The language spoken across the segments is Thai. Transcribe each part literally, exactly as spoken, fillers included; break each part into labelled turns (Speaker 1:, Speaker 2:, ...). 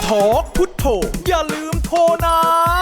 Speaker 1: ทอกพุทโธอย่าลืมโทรนะ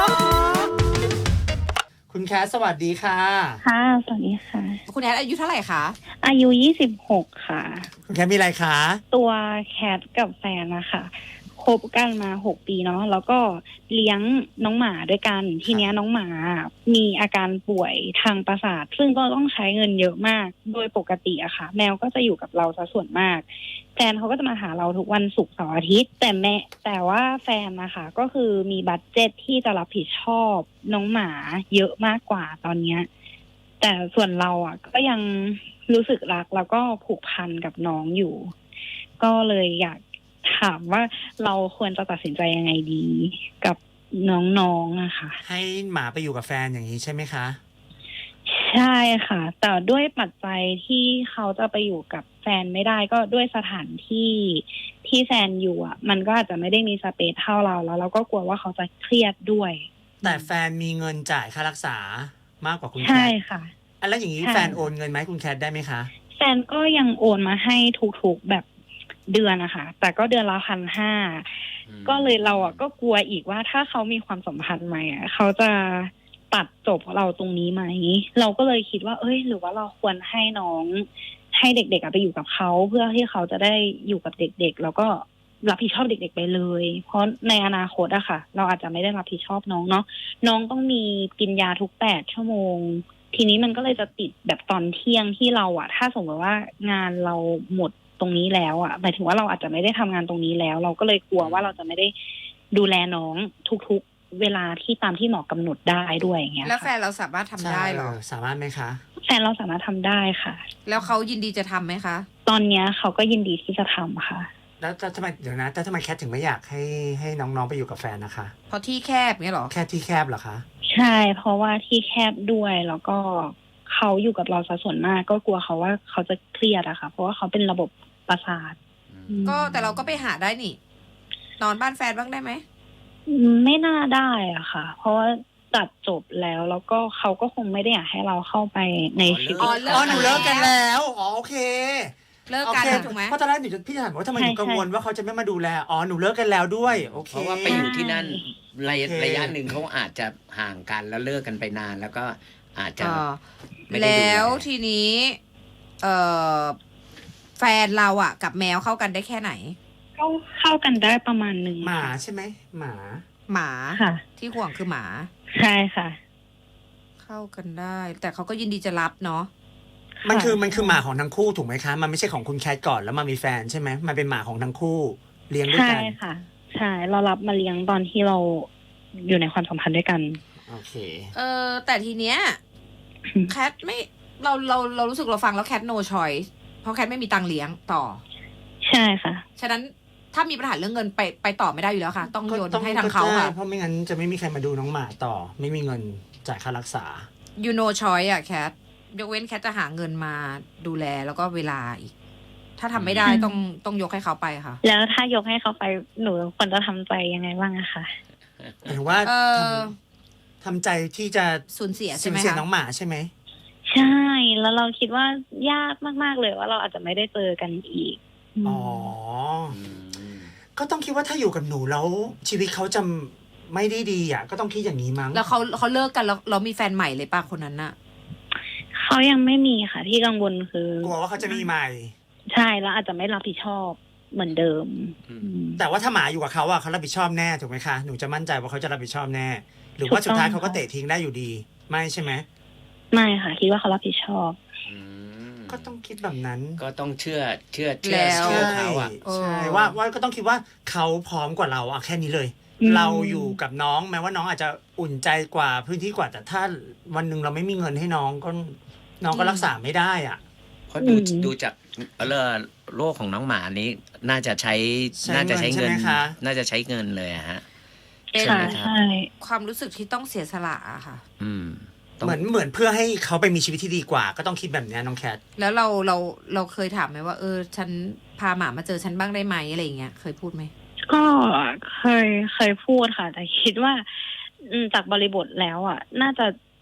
Speaker 2: คุณแคทสวัสดีค่ะ
Speaker 3: ค่ะสวัสดีค่ะ
Speaker 4: คุณแคทอายุเท่าไหร่คะ
Speaker 3: อายุยี่สิบหกค่ะ
Speaker 2: คุณแคทมีอะไรคะ
Speaker 3: ตัวแคทกับแฟนนะคะคบกันมาหกปีเนาะแล้วก็เลี้ยงน้องหมาด้วยกันทีเนี้ยน้องหมามีอาการป่วยทางประสาทซึ่งก็ต้องใช้เงินเยอะมากโดยปกติอะค่ะแมวก็จะอยู่กับเราซะส่วนมากแฟนเขาก็จะมาหาเราทุกวันศุกร์เสาร์อาทิตย์แต่แม่แต่ว่าแฟนนะคะก็คือมีบัดเจ็ตที่จะรับผิดชอบน้องหมาเยอะมากกว่าตอนเนี้ยแต่ส่วนเราอ่ะก็ยังรู้สึกรักแล้วก็ผูกพันกับน้องอยู่ก็เลยอยากถามว่าเราควรจะตัดสินใจยังไงดีกับน้องๆนะคะ
Speaker 2: ให้หมาไปอยู่กับแฟนอย่างนี้ใช่ไหมคะ
Speaker 3: ใช่ค่ะแต่ด้วยปัจจัยที่เขาจะไปอยู่กับแฟนไม่ได้ก็ด้วยสถานที่ที่แฟนอยู่อ่ะมันก็อาจจะไม่ได้มีสเปซเท่าเราแล้วเราก็กลัวว่าเขาจะเครียดด้วย
Speaker 2: แต่แฟนมีเงินจ่ายค่ารักษามากกว่าคุณแคท
Speaker 3: ใช่ค่ะ
Speaker 2: แล้วอย่างนี้แฟนโอนเงินไหมคุณแคทได้ไหมคะ
Speaker 3: แฟนก็ยังโอนมาให้ทุกๆแบบเดือนนะคะแต่ก็เดือนละพันห้าก็เลยเราอ่ะก็กลัวอีกว่าถ้าเขามีความสัมพันธ์ใหม่อ่ะเขาจะตัดจบเราตรงนี้ไหมเราก็เลยคิดว่าเอ้ยหรือว่าเราควรให้น้องให้เด็กๆไปอยู่กับเขาเพื่อที่เขาจะได้อยู่กับเด็กๆแล้วก็รับผิดชอบเด็กๆไปเลยเพราะในอนาคตอะค่ะเราอาจจะไม่ได้รับผิดชอบน้องเนาะน้องต้องมีกินยาทุกแปดชั่วโมงทีนี้มันก็เลยจะติดแบบตอนเที่ยงที่เราอะถ้าสมมติว่างานเราหมดตรงนี้แล้วอะหมายถึงว่าเราอาจจะไม่ได้ทำงานตรงนี้แล้วเราก็เลยกลัวว่าเราจะไม่ได้ดูแลน้องทุกๆเวลาที่ตามที่หมอกำหนดได้ด้วยอย่างเงี้ย
Speaker 4: แล้วแฟนเราสามารถทำได้หรอ
Speaker 2: สามารถไหมคะ
Speaker 3: แฟนเราสามารถทำได้ค่ะ
Speaker 4: แล้วเขายินดีจะทำไหมคะ
Speaker 3: ตอนเนี้ยเขาก็ยินดีที่จะทำค่ะ
Speaker 2: แล้วทำไมเดี๋ยวนะแต่ทำไมแคทถึงไม่อยากให้ให้น้องๆไปอยู่กับแฟนนะคะ
Speaker 4: เพราะที่แคบเงี้ยหรอ
Speaker 2: แค่ที่แคบเหรอคะ
Speaker 3: ใช่เพราะว่าที่แคบด้วยแล้วก็เขาอยู่กับเราซะส่วนมากก็กลัวเขาว่าเขาจะเครียดอะค่ะเพราะว่าเขาเป็นระบบประสาท
Speaker 4: ก็แต่เราก็ไปหาได้นี่นอนบ้านแฟนบ้างได้ไหม
Speaker 3: ไม่น่าได้อะค่ะเพราะว่าตัดจบแล้วแล้วก็เขาก็คงไม่ได้อยากให้เราเข้าไปในชีวิต
Speaker 2: อ๋อหนูเลิกกันแล้วอ๋อโอเค
Speaker 4: เลิกกันถูกไหม
Speaker 2: เพราะตอนแรกหนูจะพี่ถามว่าทำไมหนูกังวลว่าเขาจะไม่มาดูแลอ๋อหนูเลิกกันแล้วด้วยโอเค
Speaker 5: เพราะว่าไปอยู่ที่นั่นระยะระยะหนึ่งเขาอาจจะห่างกันแล้วเลิกกันไปนานแล้วก็อาจจะ
Speaker 4: แล้วทีนี้เอ่อแฟนเราอ่ะกับแมวเข้ากันได้แค่ไหน
Speaker 3: ก็เข้ากันได้ประมาณหนึ่ง
Speaker 2: หมาใช่ไหมหมา
Speaker 4: หมา
Speaker 3: ค่ะ
Speaker 4: ที่ห่วงคือหมา
Speaker 3: ใช่ค่ะ
Speaker 4: เข้ากันได้แต่เขาก็ยินดีจะรับเนาะ
Speaker 2: มันคือมันคือหมาของทั้งคู่ถูกไหมคะมันไม่ใช่ของคุณแคทก่อนแล้วมามีแฟนใช่ไหมมันเป็นหมาของทั้งคู่เลี้ยงด้วยกัน
Speaker 3: ใช่ค่ะใช่เรารับมาเลี้ยงตอนที่เราอยู่ในความสัมพันธ์ด้วยกัน
Speaker 2: โอเค
Speaker 4: เออแต่ทีเนี้ยแคทไม่เราเราเรารู้สึกเราฟังแล้วแคท no choice เพราะแคทไม่มีตังค์เลี้ยงต่อ
Speaker 3: ใช่ค่ะ
Speaker 4: ฉะนั้นถ้ามีปัญหาเรื่องเงินไปไปต่อไม่ได้อยู่แล้วค่ะต้องโยนให้ทางเขาค่ะ
Speaker 2: เพราะไม่งั้นจะไม่มีใครมาดูน้องหมาต่อไม่มีเงินจ่ายค่ารักษา
Speaker 4: you no choice อะแคทยกเว้นแคทจะหาเงินมาดูแลแล้วก็เวลาอีกถ้าทำไม่ได้ต้องต้องยกให้เขาไปค่ะ
Speaker 3: แล้วถ้ายกให้เขาไปหนูควรจะทำใจยังไงบ้างอะคะ
Speaker 2: หมายถึงว่าทำใจที่จะ
Speaker 4: สูญเสียใช่ไหม
Speaker 2: สูญเสียน้องหมาใช่ไหม
Speaker 3: ใช่แล้วเราคิดว่ายากมากๆเลยว่าเราอาจจะไม่ได้เจอกันอีก
Speaker 2: อ๋อก็ต้องคิดว่าถ้าอยู่กับหนูแล้วชีวิตเขาจะไม่ได้ดีอ่ะก็ต้องคิดอย่างนี้มั้ง
Speaker 4: แล้วเขาเขาเลิกกันแล้วเรามีแฟนใหม่เลยป่ะคนนั้นน่ะ
Speaker 3: เขายังไม่มีค่ะที่กังวลคือก
Speaker 2: ลัวว่าเขาจะมีใหม่
Speaker 3: ใช่แล้วอาจจะไม่รับผิดชอบเหมือนเดิม
Speaker 2: แต่ว่าถ้าหมาอยู่กับเขาอ่ะเขารับผิดชอบแน่ถูกไหมคะหนูจะมั่นใจว่าเขาจะรับผิดชอบแน่หรือว่าสุดท้ายเขาก็เตะทิ้งได้อยู่ดีไม่ใช่ไหม
Speaker 3: ไม่ค่ะคิดว่าเขารับผิดชอบ
Speaker 2: ก็ต้องคิดแบบนั้น
Speaker 5: ก็ต้องเชื่อเชื่อเชื่อเชื่อเขาอ่ะ
Speaker 2: ใช่ว่าว่าก็ต้องคิดว่าเขาพร้อมกว่าเราอ่ะแค่นี้เลยเราอยู่กับน้องแม้ว่าน้องอาจจะอุ่นใจกว่าพื้นที่กว่าแต่ถ้าวันหนึ่งเราไม่มีเงินให้น้องก็น้องก็รักษาไม่ได้อ่ะ
Speaker 5: เพราะดูดูจากเรื่องโรคของน้องหมานี้น่าจะใช้น่าจะใช้เงินน่าจะใช้เงินเลยฮะ
Speaker 3: ใช่ใช่
Speaker 4: ความรู้สึกที่ต้องเสียสละอะค่ะ
Speaker 5: อืม
Speaker 2: เหมือนเหมือนเพื่อให้เขาไปมีชีวิตที่ดีกว่าก็ต้องคิดแบบนี้น้องแคท
Speaker 4: แล้วเราเราเราเคยถามไหมว่าเออฉันพาหมามาเจอฉันบ้างได้ไหมอะไรอย่างเงี้ยเคยพูดไหม
Speaker 3: ก็เคยเคยพูดค่ะแต่คิดว่าจากบริบทแล้วอ่ะน่าจะ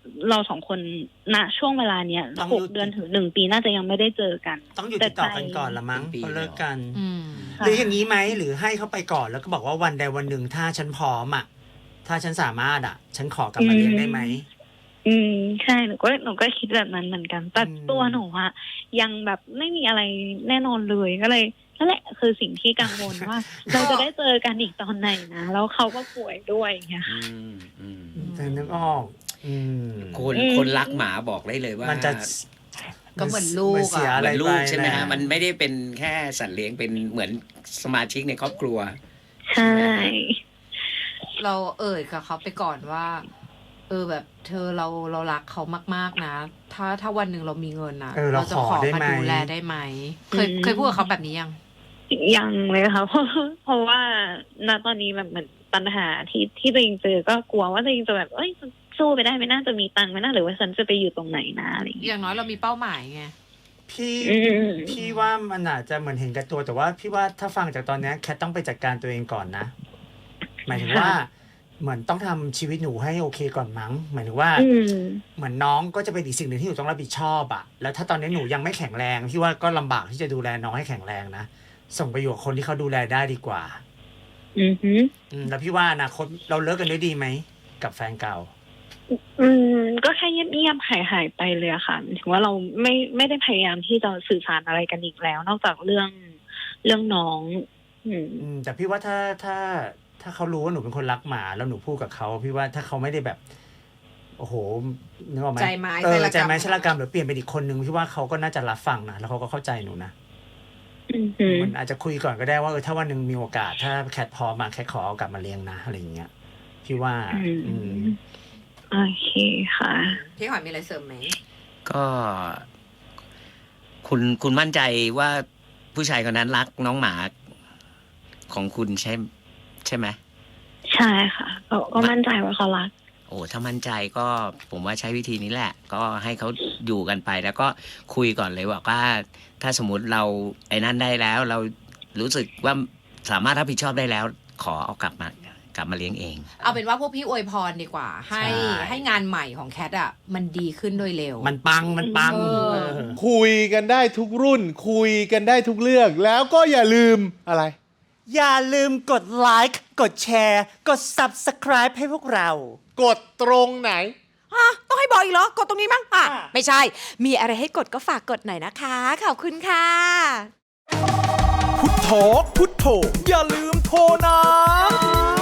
Speaker 3: เราสองคนณช่วงเวลาเนี้ย
Speaker 2: ต้อง
Speaker 3: ห
Speaker 2: หยุ
Speaker 3: ก
Speaker 2: ด
Speaker 3: เดือนถึงหนึ่งปีน่าจะยังไม่ได้เจอกัน
Speaker 2: ต้องอยู่ติดต่อกันก่อนละมั้ง
Speaker 5: เป็นปี
Speaker 2: พอเลิกกัน
Speaker 4: อืม
Speaker 2: หรืออย่างนี้ไหมหรือให้เขาไปก่อนแล้วก็บอกว่าวันใดวันหนึ่งถ้าฉันพร้อมอ่ะถ้าฉันสามารถอ่ะ ฉันขอกลับมาเลี้ยงได้ไหม
Speaker 3: อืมใช่หนูก็หนูก็คิดแบบนั้นเหมือนกัน แต่
Speaker 2: อืม
Speaker 3: ตัวหนูอะยังแบบไม่มีอะไรแน่นอนเลยก็เลยนั่นแหละคือสิ่งที่กังวลว่า เราจะได้เจอกันอีกตอนไหนนะแล้วเขาก็ป่วยด้วยอย่างเงี้ย
Speaker 5: อืมอืม
Speaker 2: แต่นึกออก อืม
Speaker 5: คน
Speaker 3: อืม
Speaker 5: คนรักหมาบอกได้เลยว่า
Speaker 2: มันจะ
Speaker 4: ก็เหมือนลูกอะ
Speaker 2: นเสีย
Speaker 5: เห
Speaker 2: อะไร
Speaker 5: มือนลูกใช่ไหมฮะ
Speaker 2: ป
Speaker 5: มันไม่ได้เป็นแค่สัตว์เลี้ยงเป็นเหมือนสมาชิกในครอบครัว
Speaker 3: ใช่
Speaker 4: เราเอ่ยกับเขาไปก่อนว่า เออแบบเธอเราเรารักเขามากๆนะ ถ้าถ้าวันหนึ่งเรามีเงินนะ
Speaker 2: เออเรา
Speaker 4: จะ
Speaker 2: ขอได้
Speaker 4: มา
Speaker 2: ไหม
Speaker 4: ดูแลได้ไหมเคยเคยพูดกับเขาแบบนี้ยัง
Speaker 3: ยังเลยค่ะ เพราะเพราะว่าณตอนนี้แบบเหมือนปัญหาที่ที่ตัวเองเจอก็กลัวว่าตัวเองจะแบบเอ้ยสู้ไปได้ไหมน่าจะมีตังค์ไหมน่าหรือว่าฉันจะไปอยู่ตรงไหนนะอะไรอย่าง
Speaker 4: อ
Speaker 3: เงี้ย
Speaker 4: ย่างน้อยเรามีเป้าหมายไง
Speaker 2: พี่
Speaker 3: อืม
Speaker 2: พี่ว่ามันอาจจะเหมือนเห็นแก่ตัวแต่ว่าพี่ว่าถ้าฟังจากตอนเนี้ยแคทต้องไปจัดการตัวเองก่อนนะ หมายถึงว่า เหมือนต้องทำชีวิตหนูให้โอเคก่อนมั้ง หมายถึงว่า
Speaker 3: อืม
Speaker 2: เหมือนน้องก็จะเป็นอีกสิ่งหนึ่งที่หนูต้องรับผิดชอบอะแล้วถ้าตอนนี้หนูยังไม่แข็งแรงพี่ว่าก็ลำบากที่จะดูแลน้องให้แข็งแรงนะส่งไปอยู่กับคนที่เขาดูแลได้ดีกว่า
Speaker 3: อือหือ
Speaker 2: อืมแล้วพี่ว่าอนาคตเราเลิกกันด้วยดีไหมกับแฟนเก่า
Speaker 3: อืมก็แค่เงียบๆหายหายๆไปเลยอะค่ะถึงว่าเราไม่ไม่ได้พยายามที่จะสื่อสารอะไรกันอีกแล้ว นอกจากเรื่องเรื่องน้อง อืม
Speaker 2: อืมแต่พี่ว่าถ้าถ้าถ้าเขารู้ว่าหนูเป็นคนรักหมาแล้วหนูพูดกับเขาพี่ว่าถ้าเขาไม่ได้แบบ โอ้โหนึกออกไหม
Speaker 4: ใจไม้
Speaker 2: เออ
Speaker 4: ชะละกรรม
Speaker 2: ใจไม้ชะละกรรมหรือเปลี่ยนเป็นอีกคนนึงพี่ว่าเขาก็น่าจะรับฟังนะแล้วเขาก็เข้าใจหนูนะ
Speaker 3: อือหือ
Speaker 2: มันอาจจะคุยก่อนก็ได้ว่าเออถ้าวันหนึ่งมีโอกาส ถ้าแคทพร้อมมาแคทขอเอากลับมาเลี้ยงนะอะไรอย่างเงี้ยพี่ว่า
Speaker 3: อืม
Speaker 2: อืม
Speaker 3: โอเคค่ะ
Speaker 4: พี่หอยมีอะไรเสริมไหม
Speaker 5: ก็ คุณคุณมั่นใจว่าผู้ชายคนนั้นรักน้องหมาของคุณใช่ใช่ไหม
Speaker 3: ใช่ค่ะก็ก็มั่นใจว่าเขารัก
Speaker 5: โอ้ถ้ามั่นใจก็ผมว่าใช้วิธีนี้แหละ ก็ให้เขาอยู่กันไปแล้วก็คุยก่อนเลยว่าถ้าสมมติเราไอ้นั่นได้แล้ว เรารู้สึกว่าสามารถรับผิดชอบได้แล้ว ขอเอากลับมากลับมาเลี้ยงเอง
Speaker 4: เอาเป็นว่าพวกพี่อวยพรดีกว่า ให้
Speaker 2: ใช่
Speaker 4: ให้งานใหม่ของแคทอ่ะมันดีขึ้นโดยเร็ว
Speaker 2: มันปังมันปัง
Speaker 4: เออ
Speaker 2: เออ
Speaker 1: คุยกันได้ทุกรุ่น คุยกันได้ทุกเรื่อง แล้วก็อย่าลืมอะไร
Speaker 2: อย่าลืมกดไลค์กดแชร์กด Subscribe ให้พวกเรา
Speaker 1: กดตรงไหน
Speaker 6: ฮะต้องให้บอกอีกเหรอ กดตรงนี้มั้งอ่ะ
Speaker 2: อ่ะ
Speaker 6: ไม่ใช่ มีอะไรให้กดก็ฝากกดหน่อยนะคะ ขอบคุณค่ะ
Speaker 1: พุทโธพุทโธอย่าลืมโทรนะ